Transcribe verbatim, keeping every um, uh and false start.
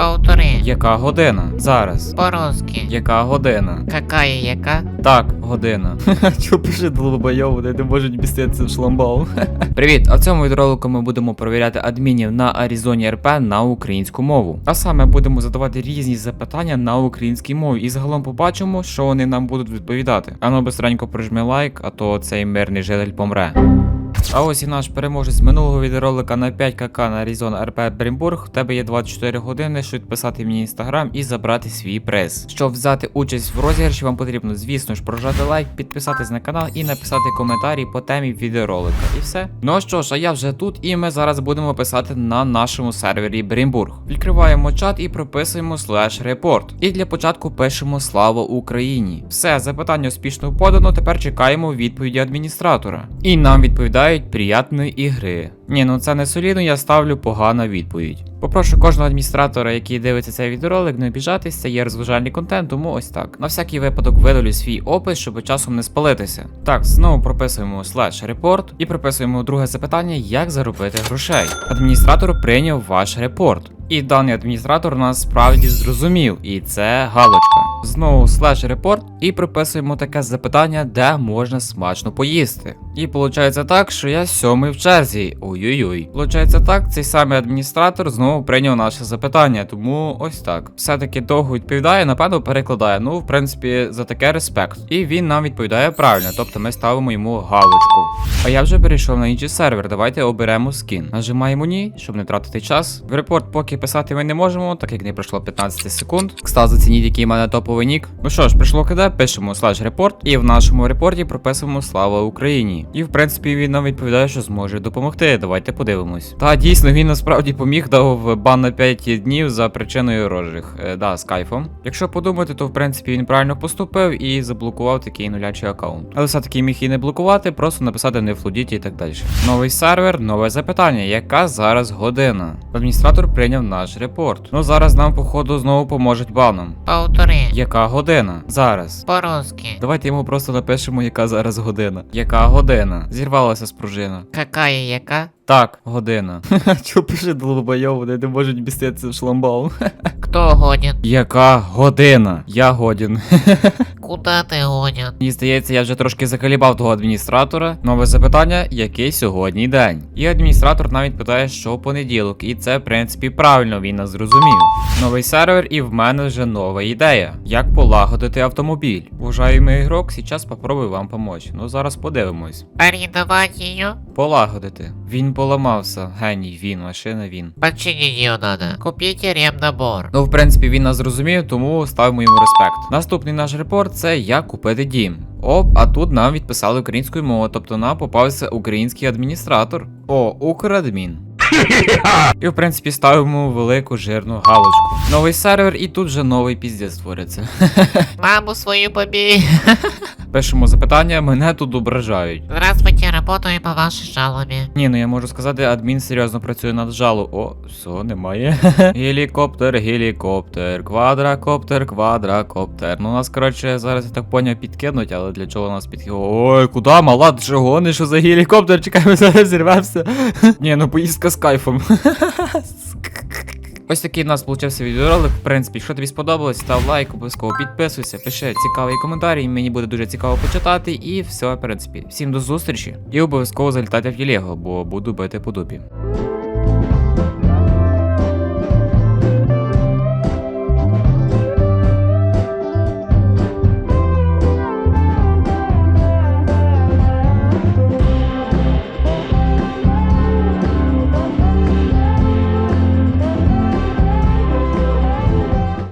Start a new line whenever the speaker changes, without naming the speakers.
Повтори.
Яка година? Зараз.
По-русски.
Яка година?
Какая яка?
Так, година. Чо пише долбойов, вони не можуть міститися в шламбал. Привіт! А в цьому відеоролику ми будемо перевіряти адмінів на Arizona ар пі на українську мову. А саме будемо задавати різні запитання на українській мові і загалом побачимо, що вони нам будуть відповідати. Ану бистренько прижми лайк, а то цей мирний житель помре. А ось і наш переможець з минулого відеоролика на п'ять ка ка на Arizona ар пі Брімбург. В тебе є двадцять чотири години, щоб підписати мені інстаграм і забрати свій приз. Щоб взяти участь в розіграші, вам потрібно, звісно ж, прожати лайк, підписатись на канал і написати коментарі по темі відеоролика. І все. Ну що ж, а я вже тут, і ми зараз будемо писати на нашому сервері Брімбург. Відкриваємо чат і прописуємо слеш репорт. І для початку пишемо «Слава Україні». Все, запитання успішно подано, тепер чекаємо відповіді адміністратора. І нам відповідають «Приятної ігри». Ні, ну це не солідно, я ставлю погана відповідь. Попрошу кожного адміністратора, який дивиться цей відеоролик, не обіжатись, це є розважальний контент, тому ось так. На всякий випадок видалю свій опис, щоб часом не спалитися. Так, знову прописуємо слеш репорт і прописуємо друге запитання, як заробити грошей. Адміністратор прийняв ваш репорт. І даний адміністратор нас справді зрозумів, і це галочка. Знову слеш репорт і прописуємо таке запитання, де можна смачно поїсти. І виходить так, що я сьомий в черзі. Ой-ой-ой. Получається так, цей самий адміністратор знову прийняв наше запитання, тому ось так. Все-таки довго відповідає, напевно перекладає. Ну, в принципі, за таке респект. І він нам відповідає правильно, тобто ми ставимо йому галочку. А я вже перейшов на інший сервер, давайте оберемо скін. Нажимаємо ні, щоб не тратити час. В репорт поки писати ми не можемо, так як не пройшло п'ятнадцять секунд. Кстати, зацініть, який в мене топовий нік. Ну що ж, прийшло КД, пишемо слеш репорт, і в нашому репорті прописуємо «Слава Україні». І в принципі він нам відповідає, що зможе допомогти. Давайте подивимось. Та дійсно він насправді поміг, дав бан на п'ять днів за причиною розжиг. Е, да, з кайфом. Якщо подумати, то в принципі він правильно поступив і заблокував такий нулячий аккаунт. Але все-таки міг і не блокувати, просто написати не флудіть і так далі. Новий сервер, нове запитання. Яка зараз година? Адміністратор прийняв наш репорт. Ну зараз нам, походу, знову поможуть баном.
Повтори.
Яка година? Зараз.
По-русски.
Давайте йому просто напишемо, яка зараз година. Яка година? Зірвалася спружина.
Какая яка?
Так, година. Чо пише долбойов, вони не можуть міститися в шламбал.
Кто годен?
Яка година? Я годен.
Куда ти годен?
Мені здається, я вже трошки закалібав того адміністратора. Нове запитання, який сьогодні день? І адміністратор навіть питає, що понеділок. І це, в принципі, правильно, він нас зрозумів. Новий сервер, і в мене вже нова ідея. Як полагодити автомобіль? Уважаємий ігрок, зараз попробую вам помочь. Ну зараз подивимось.
Арендовать ее?
Полагодити. Він поламався. Геній, він, машина, він.
Починить ее надо. Купите ремнабор.
Ну, в принципі, він нас зрозумів, тому ставимо йому респект. Наступний наш репорт це як купити дім. Оп, а тут нам відписали українською мовою, тобто нам попався український адміністратор. О, Украдмін. І в принципі ставимо велику жирну галочку. Новий сервер, і тут вже новий піздець створиться.
Маму свою побей.
Пишемо запитання, мене тут ображають.
Здравствуйте, работаю по вашей жалобе.
Ні, ну я можу сказати, адмін серйозно працює над жалу. О, все, немає. Гелікоптер, гелікоптер, квадракоптер, квадракоптер. Ну нас, коротше, зараз я так поняв, підкинуть, але для чого нас підкинуть? Ой, куди, мала, ти що гониш, що за гелікоптер? Чекай, ми зараз зірвемося. Ні, ну поїздка з кайфом. Ось такий у нас получився відеоролик. В принципі, якщо тобі сподобалось, став лайк, обов'язково підписуйся, пиши цікавий коментар, мені буде дуже цікаво почитати. І все, в принципі. Всім до зустрічі. І обов'язково залітайте в Єлего, бо буду бити по дупі.